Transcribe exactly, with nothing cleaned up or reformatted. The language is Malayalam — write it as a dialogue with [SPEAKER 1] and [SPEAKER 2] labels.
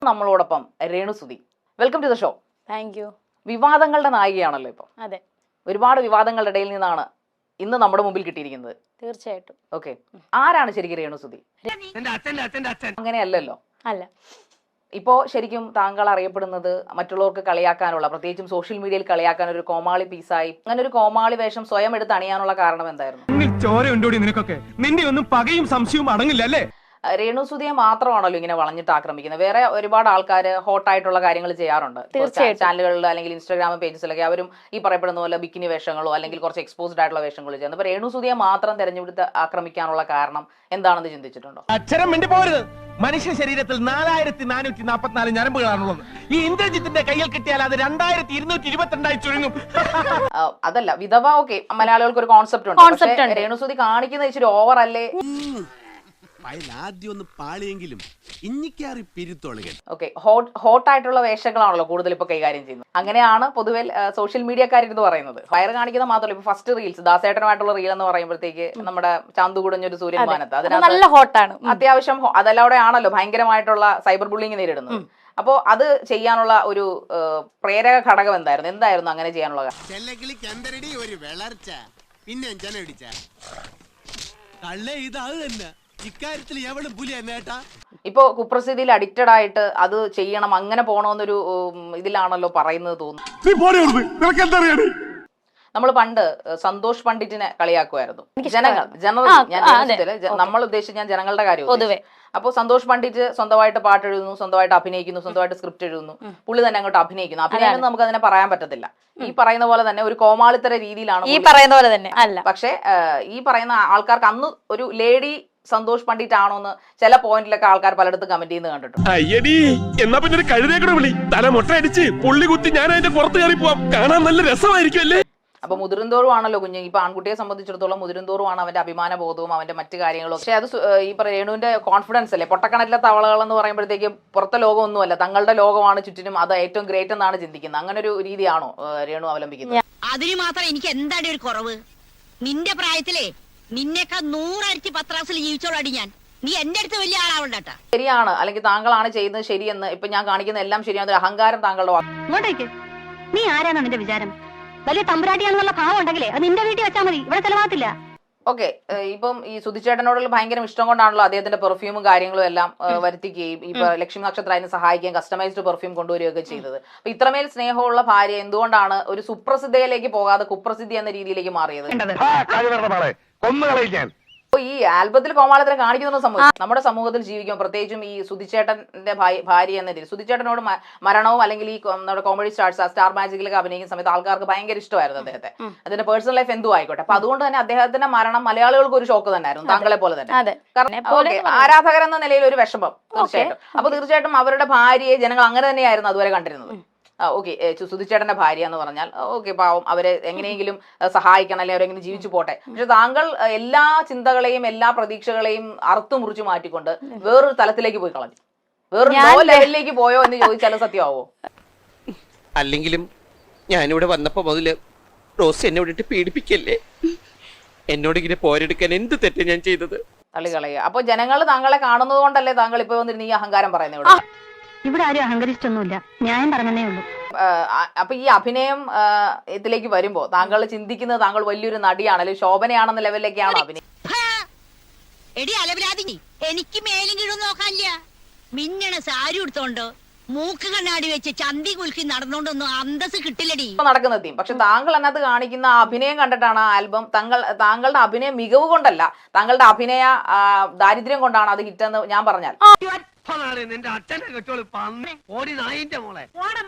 [SPEAKER 1] നമ്മളോടൊപ്പം Renu Sudhi. Welcome to the show.
[SPEAKER 2] Thank you.
[SPEAKER 1] വിവാദങ്ങളുടെ നായികയാണല്ലോ ഇപ്പൊ.
[SPEAKER 2] അതെ,
[SPEAKER 1] ഒരുപാട് വിവാദങ്ങളുടെ ഇടയിൽ നിന്നാണ് ഇന്ന് നമ്മുടെ മുമ്പിൽ കിട്ടിയിരിക്കുന്നത്.
[SPEAKER 2] തീർച്ചയായിട്ടും.
[SPEAKER 1] ഓക്കെ, ആരാണ് ശരിക്കും രേണുസുതി? അങ്ങനെയല്ലല്ലോ.
[SPEAKER 2] അല്ല,
[SPEAKER 1] ഇപ്പോ ശരിക്കും താങ്കൾ അറിയപ്പെടുന്നത് മറ്റുള്ളവർക്ക് കളിയാക്കാനുള്ള, പ്രത്യേകിച്ചും സോഷ്യൽ മീഡിയയിൽ കളിയാക്കാൻ ഒരു കോമാളി പീസായി, അങ്ങനെ ഒരു കോമാളി വേഷം സ്വയം എടുത്ത് അണിയാനുള്ള കാരണം എന്തായിരുന്നു?
[SPEAKER 3] ചോരയുണ്ടോടി നിനക്കൊക്കെ? നിന്റെ ഒന്നും പകയും സംശയവും അടങ്ങില്ല അല്ലേ?
[SPEAKER 1] രേണുസുതിയെ മാത്രമാണല്ലോ ഇങ്ങനെ വളഞ്ഞിട്ട് ആക്രമിക്കുന്നത്. വേറെ ഒരുപാട് ആൾക്കാർ ഹോട്ടായിട്ടുള്ള കാര്യങ്ങൾ ചെയ്യാറുണ്ട് ചാനലുകളിൽ അല്ലെങ്കിൽ ഇൻസ്റ്റാഗ്രാം പേജസിലൊക്കെ. അവരും ഈ പറയപ്പെടുന്ന പോലെ ബിക്കിനി വേഷങ്ങളോ അല്ലെങ്കിൽ കുറച്ച് എക്സ്പോസ്ഡ് ആയിട്ടുള്ള വേഷങ്ങളോ ചെയ്യുന്നത്. അപ്പൊ രേണുസുതിയെ മാത്രം തെരഞ്ഞെടുത്ത് ആക്രമിക്കാനുള്ള കാരണം എന്താണെന്ന് ചിന്തിച്ചിട്ടുണ്ടോ?
[SPEAKER 3] അക്ഷരം മിണ്ടി പോരുത്. മനുഷ്യ ശരീരത്തിൽ നാലായിരത്തി നാനൂറ്റി നാൽപ്പത്തിനാല് ഞരമ്പുകളാണുള്ളത്. ഈ ഇന്ദ്രജിത്തിന്റെ കയ്യിൽ കിട്ടിയാൽ അത് രണ്ടായിരത്തി ഇരുന്നൂറ്റി ഇരുപത്തിരണ്ടായി ചുരുങ്ങും.
[SPEAKER 1] അതല്ല, വിധവ ഓക്കെ, മലയാളികൾക്ക് ഒരു കോൺസെപ്റ്റ് ഉണ്ട്. രേണുസുതി കാണിക്കുന്ന ഇച്ചിരി ഓവർ അല്ലേ? ഹോട്ടായിട്ടുള്ള വേഷങ്ങളാണല്ലോ കൂടുതൽ ഇപ്പൊ കൈകാര്യം ചെയ്യുന്നത്. അങ്ങനെയാണ് പൊതുവെ സോഷ്യൽ മീഡിയക്കാരെടുത്ത് പറയുന്നത്. ഫയർ കാണിക്കുന്ന മാത്രമല്ല, ഇപ്പൊ ഫസ്റ്റ് റീൽസ് ദാസേട്ടനുമായിട്ടുള്ള റീൽ എന്ന് പറയുമ്പോഴത്തേക്ക് നമ്മുടെ ചാന്തുകുടഞ്ഞൊരു സൂര്യൻ മാനത്ത്
[SPEAKER 2] അതിനകത്ത് ഹോട്ടാണ്,
[SPEAKER 1] അത്യാവശ്യം അതല്ലാതെ ആണല്ലോ ഭയങ്കരമായിട്ടുള്ള സൈബർ ബുള്ളിങ് നേരിടുന്നത്. അപ്പോ അത് ചെയ്യാനുള്ള ഒരു പ്രേരക ഘടകം എന്തായിരുന്നു? എന്തായിരുന്നു അങ്ങനെ ചെയ്യാനുള്ള ഇപ്പൊ കുപ്രസിദ്ധിയിൽ അഡിക്റ്റഡ് ആയിട്ട് അത് ചെയ്യണം, അങ്ങനെ പോണോന്നൊരു ഇതിലാണല്ലോ പറയുന്നത് തോന്നുന്നു. നമ്മൾ പണ്ട് സന്തോഷ് പണ്ഡിറ്റിനെ കളിയാക്കുമായിരുന്നു. ജനങ്ങൾ ജനറൽ ഞാൻ നമ്മൾ ഉദ്ദേശിച്ച് ഞാൻ ജനങ്ങളുടെ കാര്യം പൊതുവെ. അപ്പൊ സന്തോഷ് പണ്ഡിറ്റ് സ്വന്തമായിട്ട് പാട്ട് എഴുതുന്നു, സ്വന്തമായിട്ട് അഭിനയിക്കുന്നു, സ്വന്തമായിട്ട് സ്ക്രിപ്റ്റ് എഴുതുന്നു, പുള്ളി തന്നെ അങ്ങോട്ട് അഭിനയിക്കുന്നു. അഭിനയം നമുക്ക് അതിനെ പറയാൻ പറ്റത്തില്ല. ഈ പറയുന്ന പോലെ തന്നെ ഒരു കോമാളിത്തര രീതിയിലാണ്
[SPEAKER 2] ഈ പറയുന്ന പോലെ തന്നെ അല്ല. പക്ഷെ
[SPEAKER 1] ഈ പറയുന്ന ആൾക്കാർക്ക് അന്ന് ഒരു ലേഡി സന്തോഷ് പണ്ഡിറ്റ് ആണോ എന്ന് ചില പോയിന്റിലൊക്കെ ആൾക്കാർ പലയിടത്തും കമന്റ് ചെയ്യുന്നത് കണ്ടിട്ടുണ്ട്.
[SPEAKER 3] എന്നാ പിന്നെ ഒരു കഴുതേക്കടെ വിളി, തല മുട്ടയടിച്ച് പുള്ളി കുത്തി ഞാൻ അതിന്റെ പുറത്ത് കയറി പോവാം, കാണാൻ നല്ല രസമായിരിക്കും അല്ലേ?
[SPEAKER 1] അപ്പൊ മുതിർന്തോറും ആണല്ലോ കുഞ്ഞ്. ഇപ്പൊ ആൺകുട്ടിയെ സംബന്ധിച്ചിടത്തോളം മുതിർന്തോറും ആണ് അവന്റെ അഭിമാന ബോധവും അവന്റെ മറ്റു കാര്യങ്ങളും. പക്ഷെ അത് ഈ രേണുവിന്റെ കോൺഫിഡൻസ് അല്ലേ. പൊട്ടക്കണറ്റിലെ തവളകൾ എന്ന് പറയുമ്പോഴത്തേക്ക് പുറത്തെ ലോകം ഒന്നുമല്ല, തങ്ങളുടെ ലോകമാണ് ചുറ്റിനും, അത് ഏറ്റവും ഗ്രേറ്റ് എന്നാണ് ചിന്തിക്കുന്നത്. അങ്ങനെ ഒരു രീതിയാണോ രേണു അവലംബിക്കുന്നത്?
[SPEAKER 4] അതിന് മാത്രം എനിക്ക് എന്താണ് ഒരു കുറവ്? നിന്റെ പ്രായത്തിലേ നിന്നേക്കാൾ നൂറരട്ടി പത്രാസിൽ ജീവിച്ചോളാടി ഞാൻ. നീ എന്റെ അടുത്ത് വലിയ ആളാവണ്ടട്ടാ.
[SPEAKER 1] ശരിയാണ്, അല്ലെങ്കിൽ താങ്കളാണ് ചെയ്യുന്നത് ശരിയെന്ന് ഇപ്പൊ ഞാൻ കാണിക്കുന്ന എല്ലാം ശരിയാണ്, അഹങ്കാരം താങ്കളുടെ.
[SPEAKER 4] ഇങ്ങോട്ടേക്ക്, നീ ആരാണ് നിന്റെ വിചാരം? വലിയ തമ്പുരാട്ടിയാണെന്നുള്ള ഭാവം ഉണ്ടെങ്കിലേ അത് നിന്റെ വീട്ടിൽ വെച്ചാൽ മതി, ഇവിടെ ചെലവാകത്തില്ല.
[SPEAKER 1] ഓക്കെ, ഇപ്പം ഈ സുധിച്ചേട്ടനോടുള്ള ഭയങ്കര ഇഷ്ടം കൊണ്ടാണല്ലോ അദ്ദേഹത്തിന്റെ പെർഫ്യൂമും കാര്യങ്ങളും എല്ലാം വരുത്തിക്കുകയും ഇപ്പൊ ലക്ഷ്മി നക്ഷത്ര അതിന് സഹായിക്കുകയും കസ്റ്റമൈസ്ഡ് പെർഫ്യൂം കൊണ്ടുവരികയൊക്കെ ചെയ്തത്. അപ്പൊ ഇത്രമേൽ സ്നേഹമുള്ള ഭാര്യ എന്തുകൊണ്ടാണ് ഒരു സുപ്രസിദ്ധയിലേക്ക് പോകാതെ കുപ്രസിദ്ധി എന്ന രീതിയിലേക്ക് മാറിയത്? ഈ ആൽബത്തിൽ കോമാളിത്തരം കാണിക്കുന്ന സമൂഹം നമ്മുടെ സമൂഹത്തിൽ ജീവിക്കും, പ്രത്യേകിച്ചും ഈ സുധിച്ചേട്ടന്റെ ഭാര്യ എന്ന രീതിയിൽ. സുധിച്ചേട്ടനോട് മരണവും അല്ലെങ്കിൽ ഈ നമ്മുടെ കോമഡി സ്റ്റാർസ് സ്റ്റാർ മാജിക്കിലൊക്കെ അഭിനയിക്കുന്ന സമയത്ത് ആൾക്കാർക്ക് ഭയങ്കര ഇഷ്ടമായിരുന്നു അദ്ദേഹത്തെ. അതിന്റെ പേഴ്സണൽ ലൈഫ് എന്തും ആയിക്കോട്ടെ. അപ്പൊ അതുകൊണ്ട് തന്നെ അദ്ദേഹത്തിന്റെ മരണം മലയാളികൾക്ക് ഒരു ഷോക്ക് തന്നെയായിരുന്നു, താങ്കളെ പോലെ തന്നെ. കാരണം ആരാധകർ എന്ന നിലയിൽ ഒരു വിഷമം തീർച്ചയായിട്ടും. അപ്പൊ തീർച്ചയായിട്ടും അവരുടെ ഭാര്യയെ ജനങ്ങൾ അങ്ങനെ തന്നെയായിരുന്നു അതുവരെ കണ്ടിരുന്നത്. ഓക്കെ, സുധിച്ചേട്ടന്റെ ഭാര്യ എന്ന് പറഞ്ഞാൽ ഓക്കെ പാവം, അവരെ എങ്ങനെയെങ്കിലും സഹായിക്കണം, അല്ലെങ്കിൽ അവരെങ്ങനെ ജീവിച്ചു പോട്ടെ. പക്ഷെ താങ്കൾ എല്ലാ ചിന്തകളെയും എല്ലാ പ്രതീക്ഷകളെയും അറുത്തു മുറിച്ചു മാറ്റിക്കൊണ്ട് വേറൊരു തലത്തിലേക്ക് പോയി കളഞ്ഞു. വേറൊരു ലെവലിലേക്ക് പോയോ എന്ന് ചോദിച്ചാൽ സത്യമാവോ?
[SPEAKER 5] അല്ലെങ്കിലും ഞാനിവിടെ വന്നപ്പോ മുതല് റോസ് എന്നെ വിട്ടിട്ട് പീഡിപ്പിക്കല്ലേ, എന്നോട് ഇങ്ങനെ പോരെടുക്കാൻ എന്ത് തെറ്റ് ഞാൻ ചെയ്തത്?
[SPEAKER 1] തള്ളിക്കളയുക. അപ്പൊ ജനങ്ങൾ താങ്കളെ കാണുന്നത് കൊണ്ടല്ലേ താങ്കൾ ഇപ്പൊ വന്നിരുന്ന ഈ അഹങ്കാരം പറയുന്നത്? ഇവിടെ
[SPEAKER 4] ഇവിടെ ആരും അഹങ്കരിച്ചിട്ടൊന്നുമില്ല, ന്യായം പറഞ്ഞതേ ഉള്ളൂ.
[SPEAKER 1] അപ്പൊ ഈ അഭിനയം ഇതിലേക്ക് വരുമ്പോ താങ്കൾ ചിന്തിക്കുന്നത് താങ്കൾ വലിയൊരു നടിയാണ് അല്ലെങ്കിൽ ശോഭനയാണെന്ന ലെവലിലേക്കാണോ അഭിനയം?
[SPEAKER 4] എടി അലവിലാതി, എനിക്ക് മേലും കീഴും നോക്കാനില്ല. മിന്നണ സാരി എടുത്തോണ്ടോ മൂക്ക് കണ്ണാടി വെച്ച് ചന്തി കുലുക്കി നടന്നോണ്ടൊന്നും അന്തസ് കിട്ടില്ലടി
[SPEAKER 1] നടക്കുന്ന തീം. പക്ഷെ താങ്കൾ അതിനകത്ത് കാണിക്കുന്ന അഭിനയം കണ്ടിട്ടാണ് ആ ആൽബം. താങ്കൾ താങ്കളുടെ അഭിനയ മികവ് കൊണ്ടല്ല, താങ്കളുടെ അഭിനയ ദാരിദ്ര്യം കൊണ്ടാണ് അത് ഹിറ്റെന്ന് ഞാൻ പറഞ്ഞാൽ.
[SPEAKER 3] നിന്റെ അച്ഛനെ കെട്ടോളൂ, ഓടി നായിന്റെ മോളെ.